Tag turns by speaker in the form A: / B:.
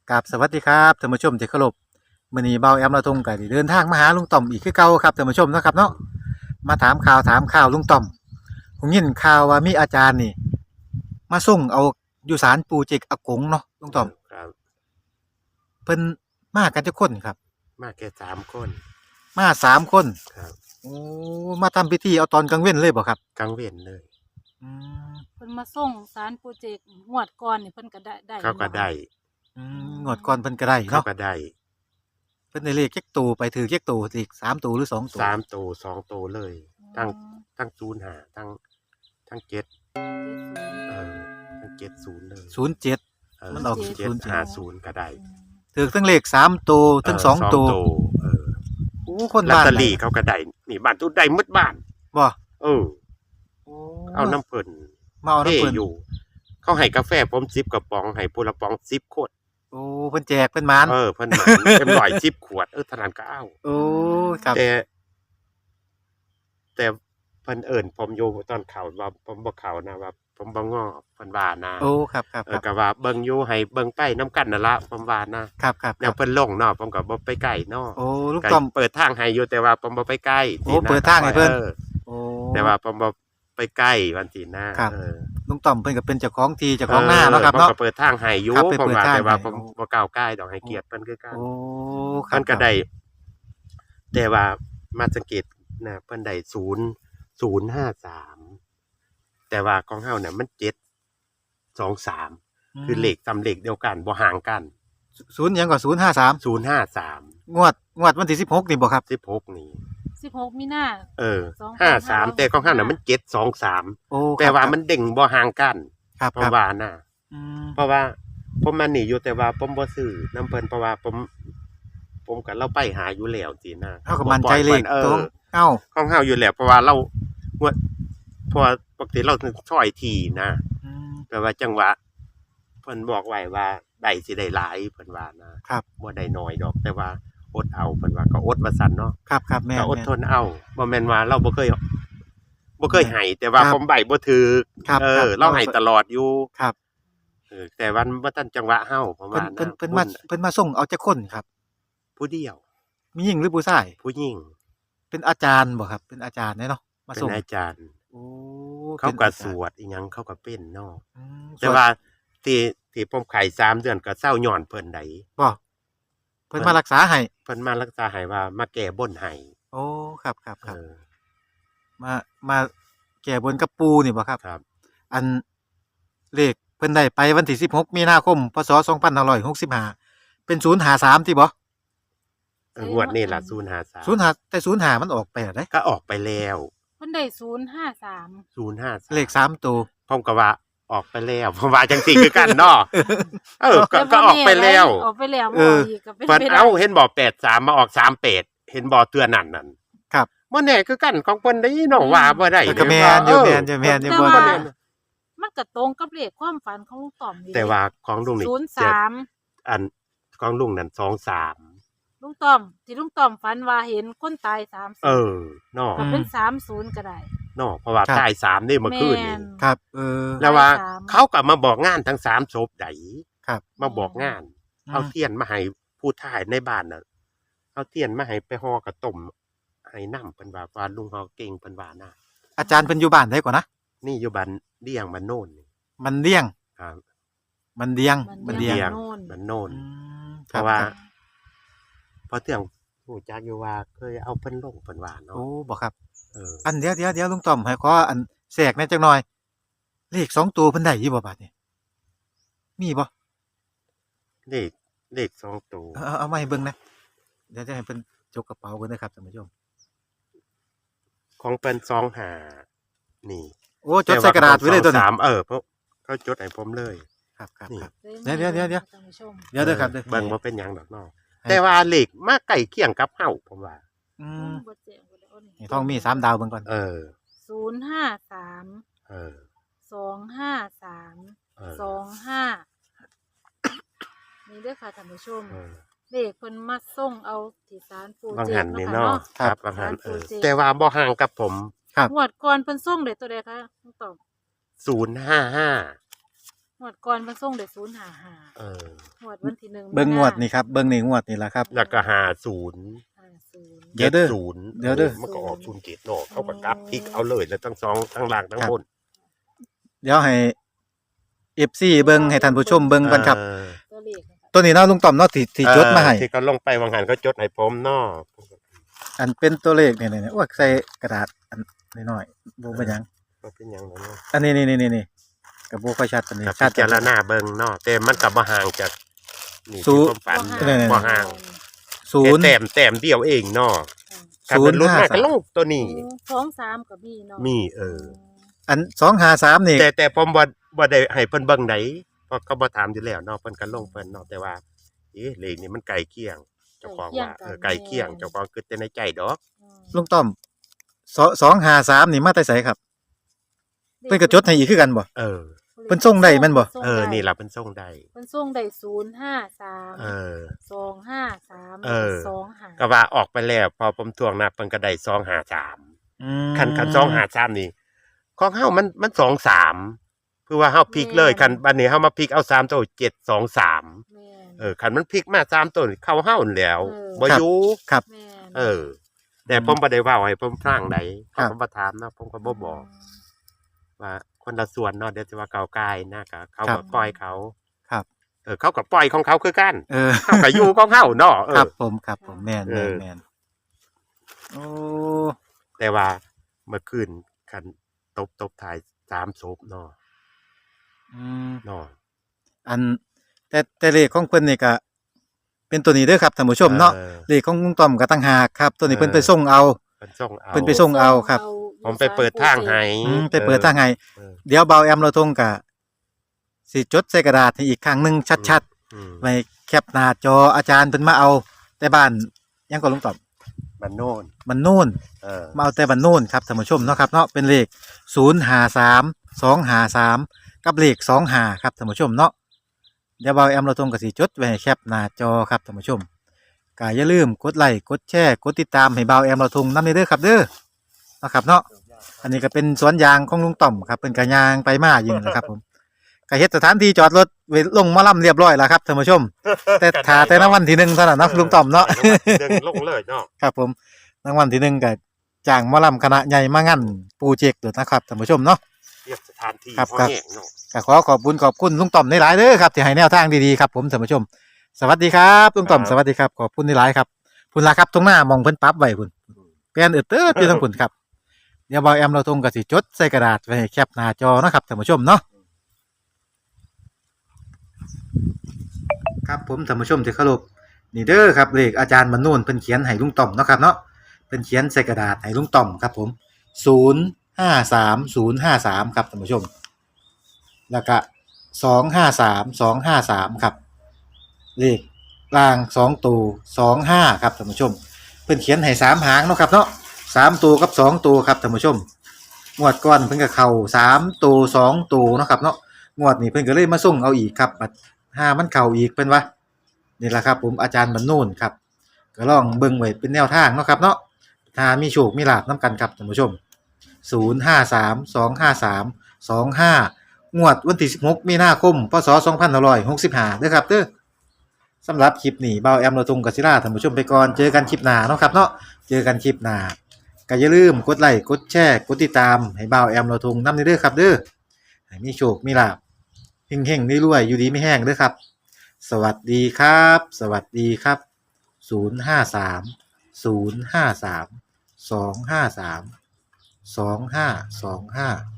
A: กับสวัสดีครับท่านผู้ชมที่เคารพมื้อนี้เบาแอมเราทงก็ได้เดินทางมาหาลุงต่อมอีกคือเก่าครับท่านผู้ชมเนาะครับเนาะมาถามข่าวลุงต่อมผมยินข่าวว่ามีอาจารย์นี่มาส่งเอาอยู่ศาลปู่เจกอากงเนาะลุงต่อม
B: ครับ
A: เพิ่นมากันจักคนครับ
B: มาแค่3 คน
A: มา3 คน
B: ครับ
A: โอ้มาทำพิธีเอาตอนกลางเว้นเลยบ่ครับ
B: กลางเว้นเลย
A: อืม
C: เพิ่นมาส่งศาลปู่เจกงวดก่อนนี่เพิ่นก็ได้
B: เขาก็ได้
A: งวดก่อนเพิ่นก็ได้
B: เขา
A: เนาะ
B: ก็ได้
A: เพิ่นได้เลขจักตัวไปถือจักตัวอีก3 ตัวหรือ2 ตัว
B: 3 ตัว2 ตัวเลยทั้ง05ทั้ง7ทั้ง70เลย
A: 07มันออก
B: 750ก็ได้
A: ถือทั้งเลข3 ตัวทั้ง2 ตัวโอ้คน
B: ลอต
A: บ้าน
B: เตอรี่เขาก็ได้นี่บ้านทุกได้หมดบ้าน
A: บ่
B: เออเอาน้ำเพิ่น
A: มาเอาน้ำเพิ่น
B: อยู่เขาให้กาแฟผม10 กระป๋องให้ผู้ละป๋อง10 ขวด
A: โอ้เพิ่นแจกเพิ่นหมาน
B: เพิ่นหมานเต็ม110 ขวดเท่านั้นก็เอา
A: โอ้ครับ
B: แต่เพิ่นเอิ้นผมอยู่ตอนเข้าว่าผมบ่เข้านะว่าผมบ่ง้อเพิ่นว่านะ
A: โอ้ครับ
B: ก็ว่าเบิ่งอยู่ให้เบิ่งไปนำกันนั่นล่ะผมว่านะครับแนวเพิ่นลงเนาะผมก็บ่ไปใกล้เนาะ
A: โอ้ลุงต้อม
B: เปิดทางให้อยู่แต่ว่าผมบ่ไปใกล้
A: โอ้เปิดทางให้เพิ่น
B: โอ้แต่ว่าผมบ่ไปใกล้วันที่หน้า
A: ลุงต้อมเพิ่นก็เป็นเจ้าของที่เจ้าของนาเนาะครับเนาะ
B: ผมก็เปิดทางให้อยู่ผมว่าแต่ว่าผมบ่ก้าวใกล้ดอกให้เกียรติเพิ่นคือกัน
A: โอ้
B: เพิ่นก็ได้แต่ว่ามาสังเกตนะเพิ่นได้0053แต่ว่าของเฮาเนี่ยมัน723คือเลขซ้ำเลขเดียวกันบ่ห่างกัน
A: 0หยังก็053
B: 053
A: งวดวันที่16นี่บ่ครับ
B: 16นี่
C: 16มีนา
B: 53แต่ของเฮาน่ะมัน723
A: โอ้
B: แต่ว่ามันเด้งบ่ห่างกัน
A: ครับ
B: เพราะว่าน่ะเพราะว่าผมมานี่อยู่แต่ว่าผมบ่ซื้อนำเพิ่นเพราะว่าผมก็เราไปหาอยู่แล้วสินะ
A: เฮาก็มั่นใจเลขตรง
B: ของเฮาอยู่แล้วเพราะว่าเราเพราะว่าปกติเราช่อยทีนะแต่ว่าจังหวะเพิ่นบอกไว้ว่าได้สิได้หลายเพิ่นว่านะครับบ่ได้น้อยดอกแต่ว่าอดเอาเพิ่นว่าก็อดว่าซั่นเนาะ
A: ครับแม่
B: ก็อดทนเอาบ่แม่นว่าเราบ่เคยให้แต่ว่าผมใบบ่ถูกเราให้ตลอดอยู่
A: ครับ
B: แต่วันบ่ทันจังหวะเฮาประมาณนั้น
A: เพิ่นมาส่งเอาจักคนครับ
B: ผู้เดียว
A: มีหญิงหรือผู้ชาย
B: ผู้หญิง
A: เป็นอาจารย์บ่ครับเป็นอาจารย์เนาะมาส่ง
B: เป็นอาจารย์
A: โอ้
B: เขาก็สวดอีหยังเขาก็เป็นเนาะแต่ว่าที่ผมไข้3 เดือนก็เศร้าย้อนเพิ่นได้
A: บ่เพิ่นมารักษาให้
B: เพิ่นมารักษาให้ว่ามาแก้บนให้
A: โอ้ครับมาแก้บนกับปู่นี่บ่ครับ
B: ครับ
A: อันเลขเพิ่นได้ไปวันที่16มีนาคมพศ2565เป็น053ที่บ่
B: งวดนี้ล่ะ053
A: แต่05มันออกไปแล้วเด้
B: ก็ออกไปแล้ว
C: เพิ่นได้053
A: เลข3ตัว
B: ผมก็ว่าออกไปแล้วผมว่าจังซี่คือกันเนาะก็ออกไปแล้ว
C: ออกไปแล้วบ่อีกก็เป็น
B: ไปได้เห็นบ่83มาออก38เห็นบ่เตือนนั่น
A: ครับ
B: บ่แน่คือกันของเพิ่นได้เนาะว่าบ่ได้
A: ก็แม่นอยู่บ่
C: ได้มันก็ตรงกับเลขความฝันของลุงต่อมนี่
B: แต่ว่าของลุงนี่
C: 03
B: อันของลุงนั่น23
C: ลุงต่อมที่ลุงต่อมฝันว่าเห็นคนตาย30
B: เนาะ
C: ก็เป็น30ก็ได้
B: เนาะเพราะว่าตาย3นี่เมื่อคืนนี่
A: ครับ
B: แล้วว่าเขาก็มาบอกงานทั้ง3ศพได้
A: ครับ
B: มาบอกงานเอาเทียนมาให้ผู้ทายในบ้านน่ะเอาเทียนมาให้ไปห่อกับต้มให้นำเพิ่นว่าลุงเฮาเก่งเพิ่นว่านะ
A: อาจารย์เพิ่นอยู่บ้านได้ก่อนนะ
B: นี่อยู่บ้านเดี้ยงบ้านโน่น
A: มันเดี้ยง
B: ครับ
A: มันเดี้ยง
B: บ้านโน่นเพราะว่าพอเที่ยงฮู้จักอยู่ว่าเคยเอาเพิ่นลงเพิ่นว่าเนาะ
A: โอ้บ่ครับอันเดี๋ยวลุงต้อมให้ขออันแทรกแหน่จักหน่อยเลข2ตัวเพิ่นได้อยู่บ่บาดนี้มีบ่
B: เลข2ตัว
A: เอามาให้เบิ่งนะเดี๋ยวจะให้เพิ่นจกกระเป๋าเพิ่นนะครับท่านผู้ชม
B: ของเพิ่น25นี่
A: โอ้จดใส่กระดาษไว้เลยตัวนี้
B: เพราะเขาจดให้ผมเลย
A: ครับเดี๋ยวเด้อครับ
B: เบิ่งบ่เป็นหยังดอกเนาะแต่ว่าเลขมาใกล้เคียงกับเฮาผมว่า
A: นี่ท้องมี3ดาวเบิ่งก่อน
C: 053 253 25นี่เด้อค่ะท่านผู้ชมเลขเพิ่นมาส่งเอาที่ศาลปู่เจกเนาะ
B: ครับบางหันแต่ว่าบ่ห่างกับผม
C: งวดก่อนเพิ่นส่งได้ตัวใดคะลุงต่อม
B: 055
C: งวดก่อนมันส่งได้055
B: เออ
C: งวดวันที่1
A: เบิ่งงวดนี่ครับเบิ่งนี่งวดนี่ล่ะครับ
B: แล้วก็50
C: 50
A: เดี๋ยวเด้อ
B: 70
A: เดี๋ยวเด้อ
B: มันก็ออก0เกตเนาะเขาก็กลับพลิกเอาเลยแล้วทั้งสองทั้งล่างทั้งบน
A: เดี๋ยวให้ FC เบิ่งให้ท่านผู้ชมเบิ่งกันครับ
C: ตัวเลขนะคะ
A: ตัวนี้เนาะลุงต่อมเนาะที่จดมาให้
B: ที่เขาลงไปวางหันเขาจดให้ผมเนาะ
A: อันเป็นตัวเลขนี่ๆๆโอ้ยใส่กระดาษอันน้อยๆบ่เป็นหยัง
B: มันเป็นหยังเนาะ
A: อันนี้ก็บ่ค่อยชัดปานนี้
B: กับ
A: ชั
B: พิ
A: ด
B: จารณาเบิ่งเนาะแต่มันก็บ่ห่างจากนี่
A: ศู
B: ที่
A: นย์
B: ผมฝัน
A: เนี่ย
B: บ่ห่าง
A: ศูนย์
B: แต่แต้มเดียวเองเนาะถ้าเป็นรุ่นมากก็ลงตัวนี้
C: 2 3ก็มีเนาะ
B: มี
A: อัน253นี่
B: แต่ผมบ่ได้ให้เพิ่นเบิ่งไหนเพราะเขาบ่ถามอยู่แล้วเนาะเพิ่นก็ลงเพิ่นเนาะแต่ว่าเลขนี่มันใกล้เคียงเจ้าของว่าใกล้เคียงเจ้าของคิดแต่ในใจดอก
A: ลุงต้อม253นี่มาแต่ไสครับเพิ่นก็จดให้อีกคือกันบ่
B: เออ
A: เพิ่นส่งได้แม่นบ่
B: นี่ล่ะเพิ่นส่งได้
C: เพิ่นส่งได้053
B: เออ
C: 253 25
B: ก็ว่าออกไปแล้วพอผมทวงนับเพิ่นก็ได้253คัน253นี่ของเฮามัน23คือว่าเฮาพลิกเลยคันบัดนี้เฮามาพลิกเอา3ตัว723
C: แม่น
B: คันมันพลิกมา3ตัวนี่เข้าเฮานั่นแล้ว
C: เออ
B: บ่อยู่
A: ครับ
C: แม่น
B: แต่ผมบ่ได้เว้าให้ผมฟังใด
A: ครับ
B: ผมบ่ถามเนาะผมก็บ่บอกว่าคนละส่วนเนาะเดี๋ยวจะว่าก้าวกายนะก็เขาก็ปล่อยเขา
A: ครับ
B: เขาก็ปล่อยของเขาคือกัน
A: ครับ
B: เขาก็อยู่ของเขาเนาะ
A: ครับผมแม่น
B: เออ
A: แม่นโอ้
B: แต่ว่าเมื่อคืนคันตบถ่าย3ศพเนาะ
A: อืม
B: เนาะ
A: อันแต่เลขของเพิ่นนี่ก็เป็นตัวนี้เด้อครับท่านผู้ชมเนาะเลขของลุงต้อมก็ต่างหากครับ ตัวนี้เพิ่นไปส่งเอา
B: เพิ่นส่งเอา
A: เพิ่นไปส่งเอาครับ
B: ผมไปเปิดทางให้
A: ไปเปิดทางให้
B: เออ
A: เดี๋ยวเบาแอมเราทงก็สิจดใส่กระดาษให้อีกครั้งหนึงชัด
B: อืม
A: ๆไว้แคปหน้าจออาจารย์เพิ่นมาเอาแต่บ้านยังก็ลุงต้อม
B: มันโน่น
A: มันนู่น มาเอาแต่บันนู่นครับท่านผู้ชมเนาะครับเนาะเป็นเลข053 253กับเลข25ครับท่านผู้ชมเนาะเดี๋ยวเบาแอมเราตรงกับสีจดไว้ให้แคปหน้าจอครับท่านผู้ชมก็อย่าลืมกดไลค์กดแชร์กดติดตามให้เบาแอมเราทงนำเด้อครับเด้อเนาะครับเนาะอันนี้ก็เป็นสวนยางของลุงต่อมครับเป็นกระยางไปมาอยู่นี่แหละครับผมก็เฮ็ดสถานที่จอดรถไว้ลงหมาล่ำเรียบร้อยแล้วครับท่านผู้ชม แต่ถ้าแต่รางวัลที่1เท่านั้นเนาะลุงต่อมเนาะ
B: เดินลงเลยเนาะ
A: ครับผมรางวัลที่1ก็จ้างหมอลำคณะใหญ่มางั้นโปรเจกต์ตัวนะครับท่านผู้ชมเนาะ
B: เรียกสถานที่
A: ครับ
B: พ่อ
A: ครับ
B: แห้งเนาะ
A: ก็ขอขอบคุณลุงต่อมหลายๆเด้อครับที่ให้แนวทางดีๆครับผมท่านผู้ชม สวัสดีครับลุงต่อมสวัสดีครับขอบคุณหลายๆครับพุ่นล่ะครับตรงหน้ามองเพิ่นปรั๊บไว้พุ่นแป้นเติดอยู่ทั้งพุ่นครับเดี๋ยวบ่าวแอมเราตรงก็สิจดใส่กระดาษไว้ให้แคปหน้าจอเนาะครับท่านผู้ชมเนาะครับผมท่านผู้ชมที่เคารพนี่เด้อครับเลขอาจารย์มนูนเพิ่นเขียนให้ลุงต่อมเนาะครับเนาะเพิ่นเขียนใส่กระดาษให้ลุงต่อมครับผม053053ครับท่านผู้ชมแล้วก็253253ครับเลขล่าง2ตัว25ครับท่านผู้ชมเพิ่นเขียนให้3หางเนาะครับเนาะ3ตัวกับ2ตัวครับท่านผู้ชมงวดก่อนเพิ่นก็เข้า3ตัว2ตัวเนาะครับเนาะงวดนี้เพิ่นก็เลยมาส่งเอาอีกครับบัดห้ามันเข้าอีกเพิ่นว่านี่ล่ะครับผมอาจารย์บรรนูนครับก็ลองเบิ่งไว้เป็นแนวทางเนาะครับเนาะถ้ามีโชคมีลาภนํกันครับท่านผู้ชม05325325งวดวันที่16มีนาคมพศ2565เด้อครับเด้อสำหรับคลิปนี้เบาแอมเราตรงกับศิลาท่านผู้ชมไปก่อนเจอกันคลิปหน้าเนาะครับเนาะเจอกันคลิปหน้าก็อย่าลืมกดไลค์กดแชร์กดติดตามให้เบาแอมเราทงนำเด้อครับเด้อให้มีโชคมีลาภเฮงๆรวยๆอยู่ดีไม่แห้งเด้อครับสวัสดีครับสวัสดีครับ053 053 253 2525